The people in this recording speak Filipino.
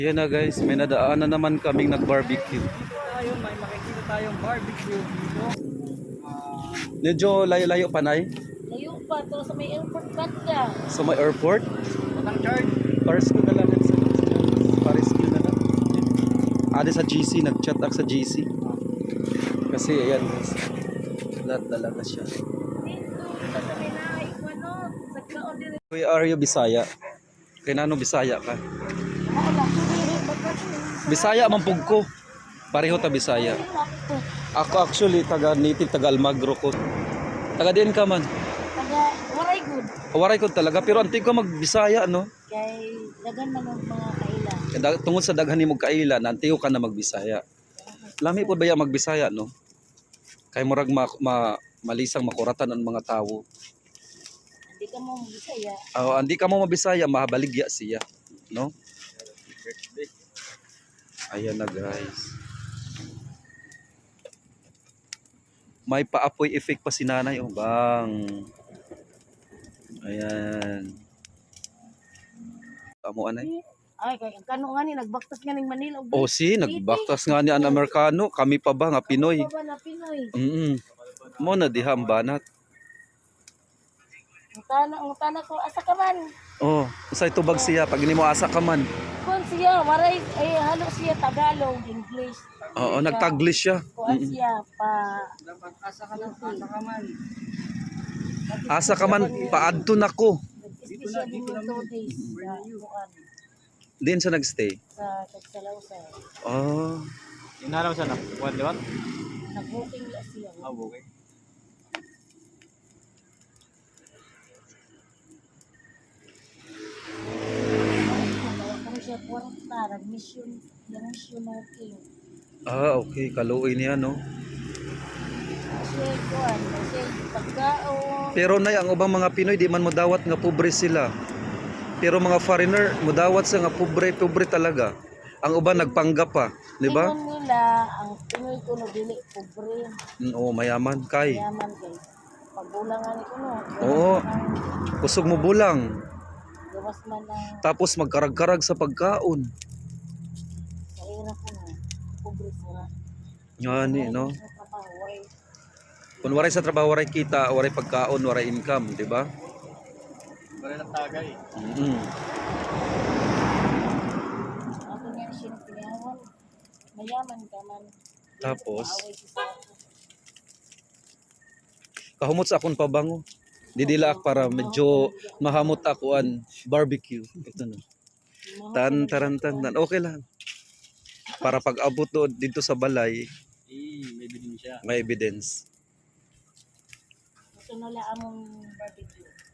Yan na guys, may nadaanan naman kaming nag-barbecue. Ayun, may makikita tayong barbecue dito. Medyo layo-layo pa na Layo pa to sa may airport banda. sa may airport. Walang charge. Paris ko na lang sa Paris ko na lang. Ade sa GC, nag-chat ako sa GC. Kasi ayan guys, lahat talaga siya. Dito sa may naay ko ano, sa kaon dire. Where are you, Bisaya? Kaya nano Bisaya ka? Wala Bisaya mampug ko. Pareho ta Bisaya. Ako actually taga Almagro ko. Taga din ka man. Taga waray good. Waray ko talaga pero antig ko mag-Bisaya no. Kay dagan man ang mga kaila. Tungod sa daghan nimo kaila, nantiyo ka na mag-Bisaya. Lami po ba ya mag-Bisaya no? Kay murag malisang makuratan ang mga tawo. Hindi ka mo Bisaya. Andi ka mo mabisaya, mahabaligya siya, no? Ayan na guys. May paapoy effect pa si nanay, oh bang. Ayan. Amo anay. Ay kay kano nga ni nagbaktas nga ning Manila. Oh si, nagbaktas nga ni ang Amerikano, kami pa ba nga Pinoy. Ba na Pinoy. Mo na diha ang banat. Ang tana ko asa ka man. Oh, usay tubag siya pag hindi mo asa ka man. Kun siya waray ay halo siya Tagalog, English. Oo, nagtaglish siya. Kuan siya pa Dapat asa ka lang, asa ka man. Asa ka man, paadto na ko. Special din yung 2 days sa kuan Diyan siya nagstay. sa Tagsalawsa. Oh. Inaraw sa na, what, di ba? Nag-booking la siya. Okay. Nagawa kami siya kwarta, nag-mission, mission working. Okay, kaluoy niya no. Kasi kuan, kasi pagkaon. Pero nay ang ubang mga Pinoy di man modawat nga pobre sila. Pero mga foreigner modawat sa nga pobre talaga. Ang uban nagpanggap pa, di ba? Tingnan nila, ang Pinoy ko no dili pobre. Oo, mayaman kay. Yaman kay. Pagbulangan ko no. Oo. Kusog mo bulang. Gawas man ang Tapos magkarag-karag sa pagkaon. sa ira ko no. Pobre sila. Yan no. Sa trabaho, waray. Kung waray sa trabaho, waray kita, waray pagkaon, waray income, di ba? Wala lang tagay. Ako nga siya pinayawan. Mayaman ka man. Tapos? Maaway siya sa ako. Kahumot sa akong pabango. Didilak para medyo mahamot ako an barbecue. Ito na. Tan. Okay lang. Para pag abot doon dito sa balay, May bilin siya. may evidence. Gusto nila among barbecue.